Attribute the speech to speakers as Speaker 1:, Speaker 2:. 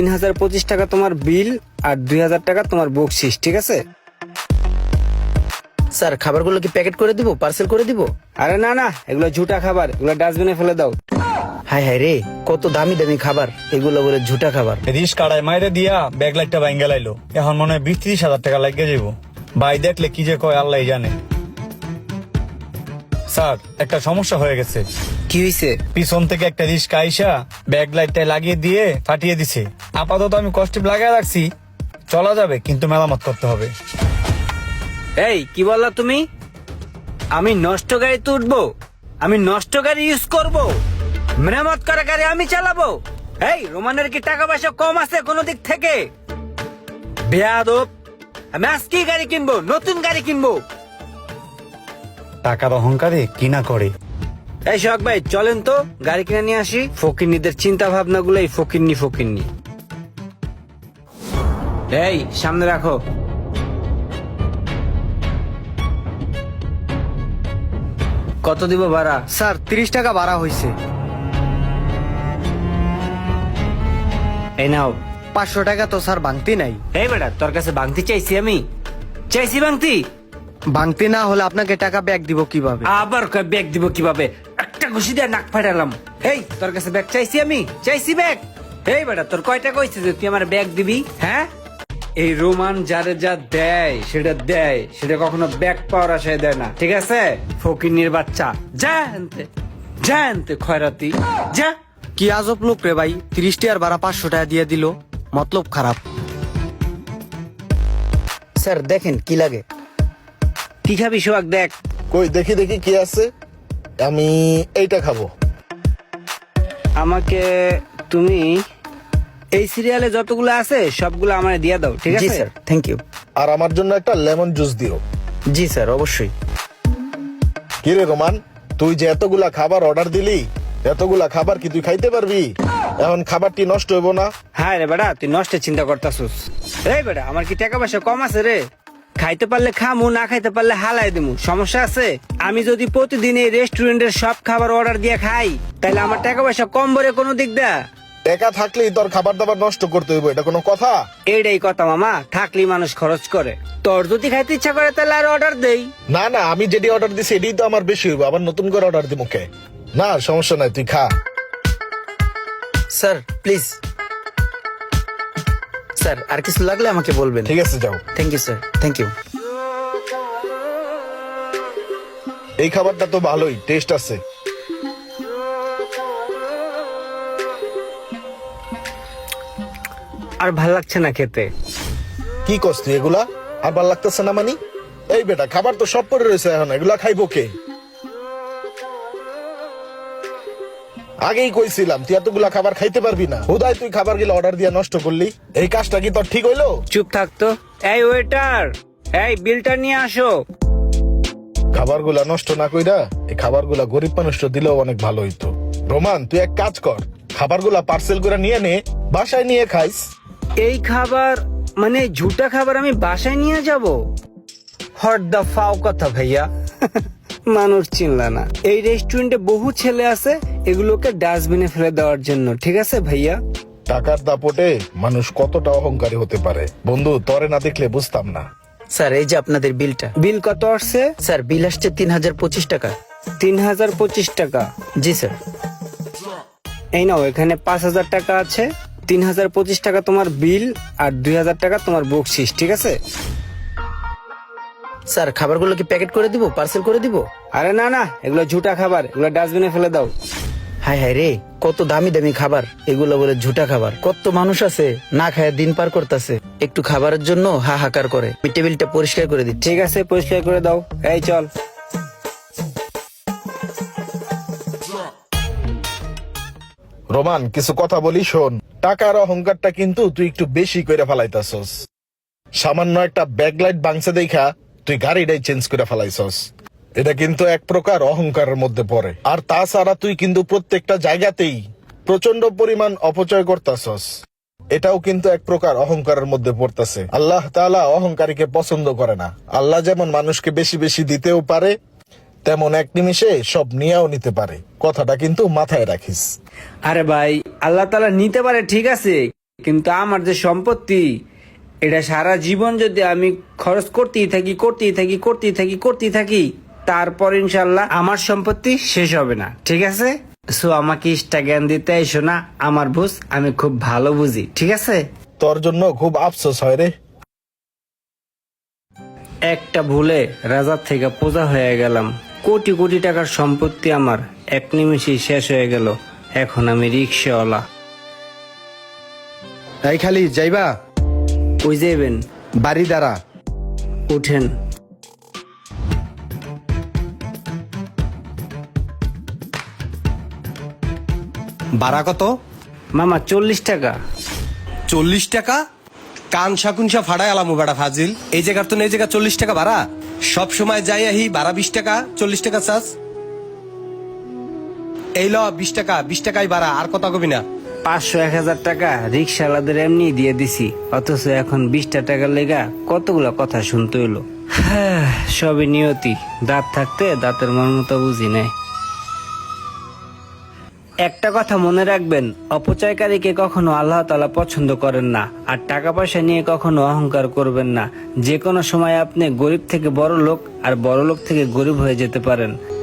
Speaker 1: 3025 টাকা তোমার বিল আর 2000 টাকা তোমার বকশিস, ঠিক আছে?
Speaker 2: স্যার খাবারগুলো কি প্যাকেট করে দিব, পার্সেল করে দিব?
Speaker 1: আরে না না, এগুলো ঝুটা খাবার, এগুলো ডাস্টবিনে ফেলে দাও।
Speaker 2: হাই হাই রে, কত দামি দামি খাবার, এগুলো বলে ঝুটা খাবার।
Speaker 3: রিস কাড়ায় মাইরে দিয়া ব্যাগ লাইটটা ভাঙ্গা লাইলো, এখন মনে হয় 20-30 হাজার টাকা লাগিয়ে যাবো। ভাই দেখলে কি যে কয় আল্লাহ জানে। স্যার একটা সমস্যা হয়ে গেছে।
Speaker 1: কি হয়েছে?
Speaker 3: পিছন থেকে একটা রিস্কা আইসা ব্যাগ লাইটটা লাগিয়ে দিয়ে ফাটিয়ে দিছে। আপাতত আমি কষ্টিপ লাগায় রাখছি, চলা যাবে কিন্তু মেরামত করতে হবে।
Speaker 1: এই কি বললা তুমি? আমি নষ্ট গাড়িতে উঠবো? আমি নষ্ট গাড়ি ইউজ করব? মেরামত করা গাড়ি আমি চালাবো? এই রোমানের কি টাকা পয়সা কম আছে কোনো দিক থেকে? বেয়াদব, আমি আজকেই গাড়ি কিনবো, নতুন গাড়ি কিনবো।
Speaker 3: টাকার অহংকারে কিনা করে।
Speaker 1: এই শখ ভাই চলেন তো গাড়ি কিনে নিয়ে আসি। ফকিন্নিদের চিন্তা ভাবনা গুলোই ফকিন্নি। এই সামনে রাখো। কত দিব ভাড়া?
Speaker 4: স্যার 30 টাকা ভাড়া হয়েছে।
Speaker 1: এই নাও।
Speaker 4: 500 টাকা তো স্যার ভাঙতি নাই।
Speaker 1: এই বেটা, তোর কাছে ভাঙতি চাইছি? আমি চাইছি ভাঙতি?
Speaker 4: ভাঙতি না হলে আপনাকে টাকা ব্যাক দিব কিভাবে?
Speaker 1: আবার কয় ব্যাগ দিব কিভাবে? একটা ঘুষি দিয়ে নাক ফাটালাম। এই তোর কাছে ব্যাগ চাইছি? আমি চাইছি ব্যাগ? এই বেটা, তোর কয়টা কইছে যে তুই আমার ব্যাগ দিবি? হ্যাঁ, এই রোমান যারে যা দেয় সেটা কখনো ব্যাগ পাওয়ার আশায় দেয় না, ঠিক আছে? ফকিন্নির বাচ্চা, যা আনতে খয়রাতি, যা।
Speaker 4: কি আজব লোক রে ভাই, 30 টাকার ভাড়া 500 টাকা দিয়ে দিল, মতলব খারাপ।
Speaker 2: স্যার দেখেন কি লাগে।
Speaker 1: কি খাবি সোহাগ? দেখ।
Speaker 5: কই দেখি দেখি কি আছে। আমি এইটা খাবো।
Speaker 1: আমাকে তুমি এই সিরিয়ালে যতগুলো আছে সবগুলো আমার দিয়ে দাও, ঠিক
Speaker 2: জি
Speaker 1: আছে?
Speaker 2: Sir, thank you.
Speaker 5: আর আমার জন্য একটা লেমন জুস দিও।
Speaker 2: জি স্যার, অবশ্যই।
Speaker 5: কি রে রোমান, তুই যে এতগুলা খাবার অর্ডার দিলি, এতগুলা খাবার কি তুই খাইতে পারবি? এখন খাবারটি নষ্ট হইব না?
Speaker 1: হ্যাঁ রে বেটা, তুই নষ্টের চিন্তা করতাছিস। এই বেটা, আমার কি টাকা পয়সা কম আছে রে? খাইতে পারলে খামু, না খাইতে পারলে হালাই দিমু, সমস্যা আছে? আমি যদি প্রতিদিন এই রেস্টুরেন্টের সব খাবার অর্ডার দিয়ে খাই তাহলে আমার টাকা পয়সা কম বলে কোনো দিক দা?
Speaker 5: টাকা থাকলেই তোর খাবার দাবার নষ্ট করতে হইব, এটা কোনো কথা?
Speaker 1: এইটাই কথা মামা, থাকলেই মানুষ খরচ করে। তোর যদি খাইতে ইচ্ছা করে তাহলে আর অর্ডার দেই।
Speaker 5: না না, আমি যেটি অর্ডার দিছি এটাই তো আমার বেশি হইব, আবার নতুন করে অর্ডার দিব কে? না সমস্যা নাই, তুই খা।
Speaker 2: Sir please. স্যার আর কিছু লাগলে আমাকে বলবেন।
Speaker 5: ঠিক আছে, যাও।
Speaker 2: Thank you sir, thank you.
Speaker 5: এই খাবারটা তো ভালোই টেস্ট আছে।
Speaker 1: আর ভাল লাগছে না খেতে।
Speaker 5: কি করছ তুই এগুলা? আর ভাল লাগতেছে না মানি? এই বেটা, খাবার তো সব পড়ে রয়েছে, এখন এগুলা খাইবো কে? আগেই কইছিলাম তুই এতগুলা খাবার খাইতে পারবি না, হুদায় তুই খাবার গুলো অর্ডার দিয়ে নষ্ট করলি। এই কাজটা কি তোর ঠিক হইলো?
Speaker 1: চুপ থাকতো। এই ওয়েটার, এই বিলটা নিয়ে আসো।
Speaker 5: খাবারগুলা নষ্ট না কইরা এই খাবারগুলা গরিব মানুষটা দিলেও অনেক ভালো হইতো। রোমান, তুই এক কাজ কর, খাবারগুলা পার্সেল করে নিয়ে নে, বাসায় নিয়ে খাইস।
Speaker 1: এই খাবার মানে ঝুটা খাবার আমি বাসায় নিয়ে যাব? হট দা ফাও কথা ভাইয়া। মানুষ চিনলা না। এই রেস্টুরেন্টে বহু ছেলে আছে এগুলোকে ডাস্টবিনে ফেলে দেওয়ার জন্য, ঠিক আছে ভাইয়া?
Speaker 5: টাকার দাপটে মানুষ কতটা অহংকারী হতে পারে বন্ধু, তরে না দেখলে বুঝতাম না।
Speaker 2: স্যার এই যে আপনাদের বিলটা।
Speaker 1: বিল কত আসছে?
Speaker 2: স্যার বিল আসছে 3025 টাকা।
Speaker 1: 3025 টাকা?
Speaker 2: জি স্যার।
Speaker 1: এই নাও, এখানে 5000 টাকা আছে। 3025 টাকা তোমার বিল আর 2000 টাকা তোমার বকশিস, ঠিক আছে?
Speaker 2: স্যার খাবারগুলো কি প্যাকেট করে দিব, পার্সেল করে দিব?
Speaker 1: আরে না না, এগুলো ঝুটা খাবার, এগুলো ডাস্টবিনে ফেলে দাও।
Speaker 2: হাই হাই রে, কত দামি দামি খাবার, এগুলো বলে ঝুটা খাবার। কত মানুষ আছে না খায় দিন পার করতেছে, একটু খাবারের জন্য হাহাকার করে। আমি টেবিলটা পরিষ্কার করে দিচ্ছি।
Speaker 1: ঠিক আছে, পরিষ্কার করে দাও। এই চল।
Speaker 5: রোমান, কিছু কথা বলি শোন। টাকার অহংকারটা কিন্তু তুই একটু বেশি করে ফেলাইতাছস। সামান্য একটা ব্যাকলাইট বাংসে দেখা তুই গাড়িটাই চেঞ্জ করে ফেলাইছস। এটা কিন্তু এক প্রকার অহংকারের মধ্যে পড়ে। আর তাছাড়া তুই কিন্তু প্রত্যেকটা জায়গাতেই প্রচন্ড পরিমাণ অপচয় করতাছস, এটাও কিন্তু এক প্রকার অহংকারের মধ্যে পড়তেছে। আল্লাহ তাআলা অহংকারীকে পছন্দ করে না। আল্লাহ যেমন মানুষকে বেশি বেশি দিতেও পারে, তেমন এক নিমিষে সব নিয়েও নিতে পারে। কথাটা কিন্তু মাথায় রাখিস।
Speaker 1: আরে ভাই, আল্লাহ তাআলা নিতে পারে ঠিক আছে, কিন্তু আমার যে সম্পত্তি, এটা সারা জীবন যদি আমি খরচ করতেই থাকি তারপর ইনশাল্লাহ আমার সম্পত্তি শেষ হবে না, ঠিক আছে? সো আমাকে ইষ্টা জ্ঞান দিতে এসো না, আমার বুঝ আমি খুব ভালো বুঝি, ঠিক আছে?
Speaker 5: তোর জন্য খুব আফসোস হয় রে।
Speaker 1: একটা ভুলে রাজার থেকে প্রজা হয়ে গেলাম, কোটি কোটি টাকার সম্পত্তি আমার এক নিমেষেই শেষ হয়ে গেল। এখন আমি রিক্সাওয়ালা।
Speaker 6: এই খালি যাইবা?
Speaker 1: ওই যাবেন,
Speaker 6: বাড়ি দ্বারা
Speaker 1: উঠেন।
Speaker 6: ভাড়া কত?
Speaker 1: মামা 40 টাকা।
Speaker 6: 40 টাকা? কান শাকুনসা ফাড়াই আলামু বেড়া ফাজিল। এই জায়গার তো এই জায়গা 40 টাকা ভাড়া। সব সময় যাই আহি ভাড়া 20 টাকা, 40 টাকা চাস। এই ল 20 টাকা, 20 টাকাই ভাড়া, আর কথা কবি না।
Speaker 1: 500-1000 টাকা রিক্সাওয়ালাদের এমনি দিয়ে দিছি, অথচ এখন 20টা টাকার লেগা কতগুলা কথা শুনতে হইলো। হ্যাঁ, সবই নিয়তি। দাঁত থাকতে দাঁতের মর্মতা বুঝি নাই। একটা কথা মনে রাখবেন, অপচয়কারীকে কখনো আল্লাহ তাআলা পছন্দ করেন না। আর টাকা পয়সা নিয়ে কখনো অহংকার করবেন না। যে কোনো সময় আপনি গরিব থেকে বড় লোক আর বড় লোক থেকে গরিব হয়ে যেতে পারেন।